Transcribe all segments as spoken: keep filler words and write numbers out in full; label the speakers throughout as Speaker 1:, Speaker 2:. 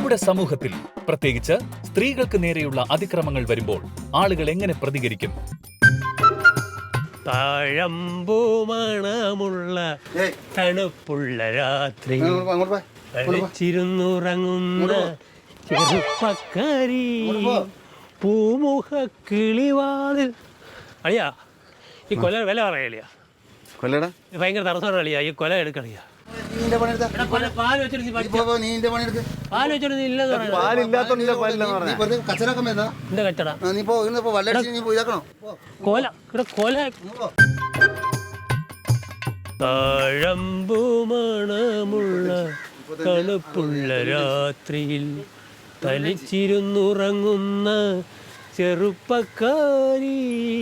Speaker 1: നമ്മുടെ സമൂഹത്തിൽ പ്രത്യേകിച്ച് സ്ത്രീകൾക്ക് നേരെയുള്ള അതിക്രമങ്ങൾ വരുമ്പോൾ ആളുകൾ എങ്ങനെ പ്രതികരിക്കും?
Speaker 2: താഴമ്പൂ മണമുള്ള തണുപ്പുള്ള രാത്രി കളിച്ചിരുന്നുറങ്ങുന്ന ചെറുപ്പക്കാരി പൂമുഖ കിളിവാതിൽ. അളിയാ ഈ കൊല വില പറയലിയാ,
Speaker 3: കൊല്ലടാ
Speaker 2: ഭയങ്കര തടസ്സമാണ് അളിയാ. ഈ കൊല എടുക്കളിയാ. താഴമ്പൂ മണമുള്ള തണുപ്പുള്ള രാത്രിയിൽ തനിച്ചിരുന്നുറങ്ങുന്ന ചെറുപ്പക്കാരി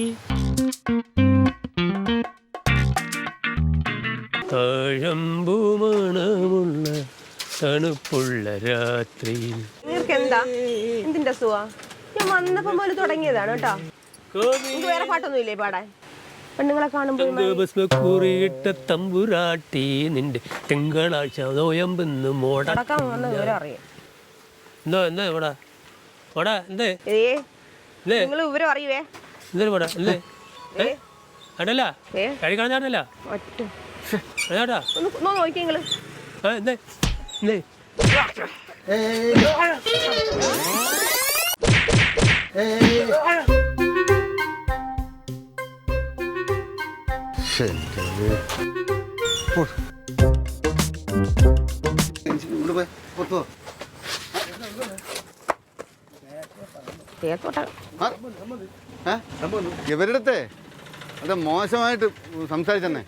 Speaker 2: താഴമ്പൂ മണമുള്ള തണുപ്പുള്ള രാത്രിയിൽ.
Speaker 4: നിങ്ങൾക്ക് എന്താ എന്തിന്റെ സുഖ? ഞാൻ വന്നപ്പോ പോലെ തുടങ്ങിയതാണ് കേട്ടോ. വേറെ പാട്ടൊന്നും ഇല്ലേ പാടാൻ? പെണ്ണുങ്ങളെ
Speaker 2: കാണുമ്പോറിയിട്ട തമ്പുരാട്ടി നിന്റെ തിങ്കളാഴ്ച നോയമ്പെന്ന് മോടക്കാൻ വന്ന വിവരം അറിയാം. എന്തോ എന്താ ഇവിടെ ഓടാ എന്തേ
Speaker 4: നിങ്ങൾ വിവരം അറിയുവേ
Speaker 2: എന്തേ പോടാ എന്തേ അടല്ല കഴിക്കാണല്ല ചേട്ടാ
Speaker 4: നോക്കിങ്ങള്
Speaker 2: എന്തേ എന്തേ
Speaker 3: ഇവരുടെ അത് മോശമായിട്ട് സംസാരിച്ചെന്നെ.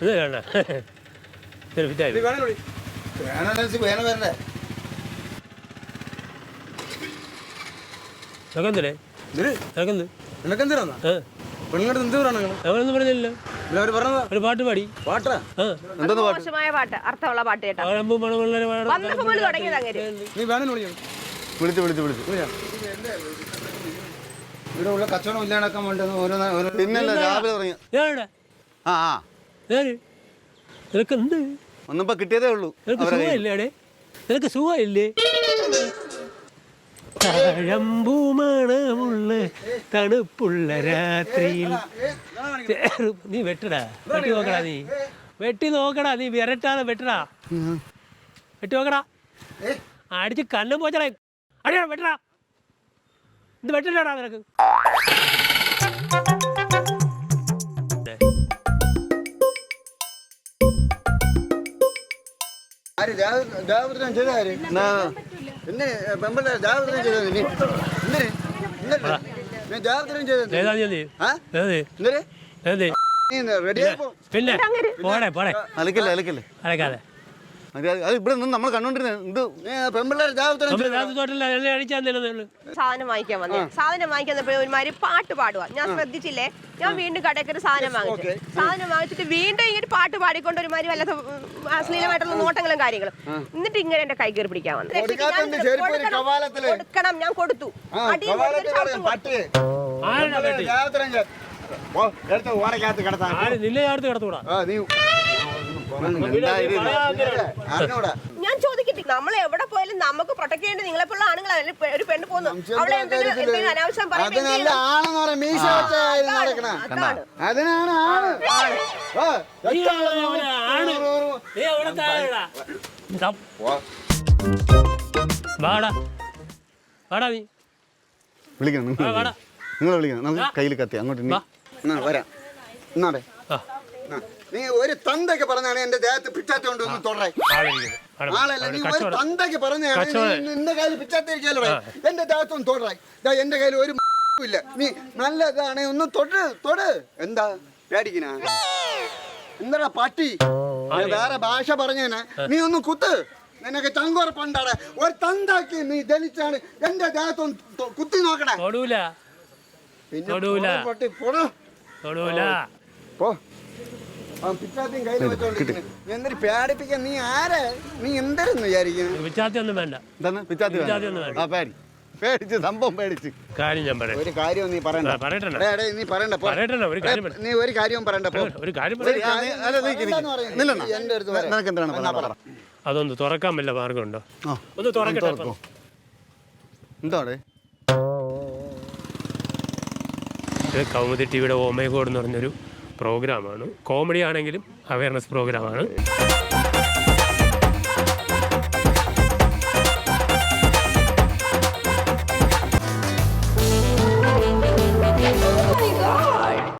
Speaker 2: ഒരു പാട്ട് പാടി
Speaker 3: പാട്ടാ
Speaker 4: മോശമായ പാട്ട്, അർത്ഥമുള്ള പാട്ട് കേട്ടോ.
Speaker 3: വിളിച്ചു വിളിച്ചു വിളിച്ചു ഇവിടെ ഉള്ള കച്ചവടം ഇല്ലാണ്ടാക്കാൻ വേണ്ടി പിന്നല്ല രാവിലെ തുടങ്ങി. ആ ആ
Speaker 2: നിനക്ക് എന്ത്
Speaker 3: ഒന്നിപ്പോ കിട്ടിയതേ ഉള്ളൂ.
Speaker 2: സുഖമില്ലേ? നിനക്ക് സുഖമില്ലേ? താഴമ്പൂ മണമുള്ള തണുപ്പുള്ള രാത്രിയിൽ. നീ വെട്ടടാ, വെട്ടി നോക്കടാ, നീ വെട്ടി നോക്കടാ, നീ വിരട്ടാതെ വെട്ടടാ, വെട്ടി നോക്കടാ, അടിച്ച് കണ്ണം പോച്ചടാ, അടിയാ വെട്ടടാ, ഇത് വെട്ടില്ലടാ നിനക്ക്. പിന്നെ പോടെ പോടെ
Speaker 3: അലക്കല്ലേ അലക്കല്ലേ
Speaker 2: അലക്കാതെ
Speaker 3: ഇവിടെ നിന്ന് നമ്മൾ കണ്ടോണ്ടിരുന്നത്
Speaker 4: സാധനം വാങ്ങിക്കാൻ വന്നേ. സാധനം വാങ്ങിക്കാൻ ഒരുമാതിരി പാട്ട് പാടുക. ഞാൻ ശ്രദ്ധിച്ചില്ലേ? ഞാൻ വീണ്ടും കടയ്ക്ക് ഒരു സാധനം വാങ്ങിച്ചു. സാധനം വാങ്ങിച്ചിട്ട് വീണ്ടും ഇങ്ങനെ പാട്ട് പാടിക്കൊണ്ട് ഒരുമാതിരി വല്ലാത്ത അശ്ലീലമായിട്ടുള്ള നോട്ടങ്ങളും കാര്യങ്ങളും. എന്നിട്ട് ഇങ്ങനെ എന്റെ കൈ കയറി പിടിക്കാൻ വന്നു. കൊടുക്കണം, ഞാൻ കൊടുത്തു. ഞാൻ ചോദിക്കട്ടെ, നമ്മൾ എവിടെ പോയാലും നമുക്ക് പ്രൊട്ടക്ട് ചെയ്യേണ്ടത് നിങ്ങളെപ്പോലുള്ള ആണുങ്ങളല്ലേ? ഒരു പെണ്ണ് പോകുന്നു, അവളെ എന്തെങ്കിലും അനാവശ്യം
Speaker 3: വിളിക്കണം, നിങ്ങൾ വിളിക്കണം. നമുക്ക് കയ്യിൽ കത്തി അങ്ങോട്ട് വരാം. എന്നാടേ നീ ഒരു തന്തയ്ക്ക് പറഞ്ഞാണ് എന്റെ ദേഹത്ത് പിച്ചാത്തി കൊണ്ട് ഒന്ന് തൊടേ ആളല്ല. നീ ഒരു തന്തയ്ക്ക് പറഞ്ഞാണ് എന്റെ കയ്യിൽ പിച്ചാത്തിരിക്കല്ലോ, എന്റെ ദേഹത്തൊന്ന് തൊടേ. എന്റെ കയ്യിൽ ഒരു ഇല്ല. നീ നല്ലതാണ് ഒന്ന് തൊട്ട് തൊട്. എന്താ പേടിക്കണ? എന്താടാ പട്ടി? വേറെ ഭാഷ പറഞ്ഞേനെ. നീ ഒന്ന് കുത്ത്. നിനക്ക് ചങ്കുറപ്പുണ്ടാടെ. ഒരു തന്താക്കി നീ ജനിച്ചാണ് എന്റെ ദേഹത്തൊന്ന് കുത്തി നോക്കണേ. എന്തൊരു പേടിപ്പിക്കാൻ നീ ആരെ? നീ എന്തായിരുന്നു വിചാരിക്കുന്നത്?
Speaker 2: പിച്ചാത്തിയൊന്നും വേണ്ട.
Speaker 3: പേടിച്ച് സംഭവം പേടിച്ച്
Speaker 2: കാര്യം ഞാൻ പറയാം.
Speaker 3: ഒരു കാര്യം നീ പറയണ്ട. നീ പറയണ്ട. നീ ഒരു കാര്യവും പറയണ്ട.
Speaker 2: അതൊന്ന് തുറക്കാൻ വല്ല മാർഗമുണ്ടോ? ഒന്ന് തുറക്കട്ടെ.
Speaker 3: എന്താടെ
Speaker 2: ഇത് കൗമുദി ടി വിയുടെ ഓമേ ഗോഡ് എന്ന് പറഞ്ഞൊരു പ്രോഗ്രാമാണ്. കോമഡി ആണെങ്കിലും അവയർനെസ് പ്രോഗ്രാമാണ്.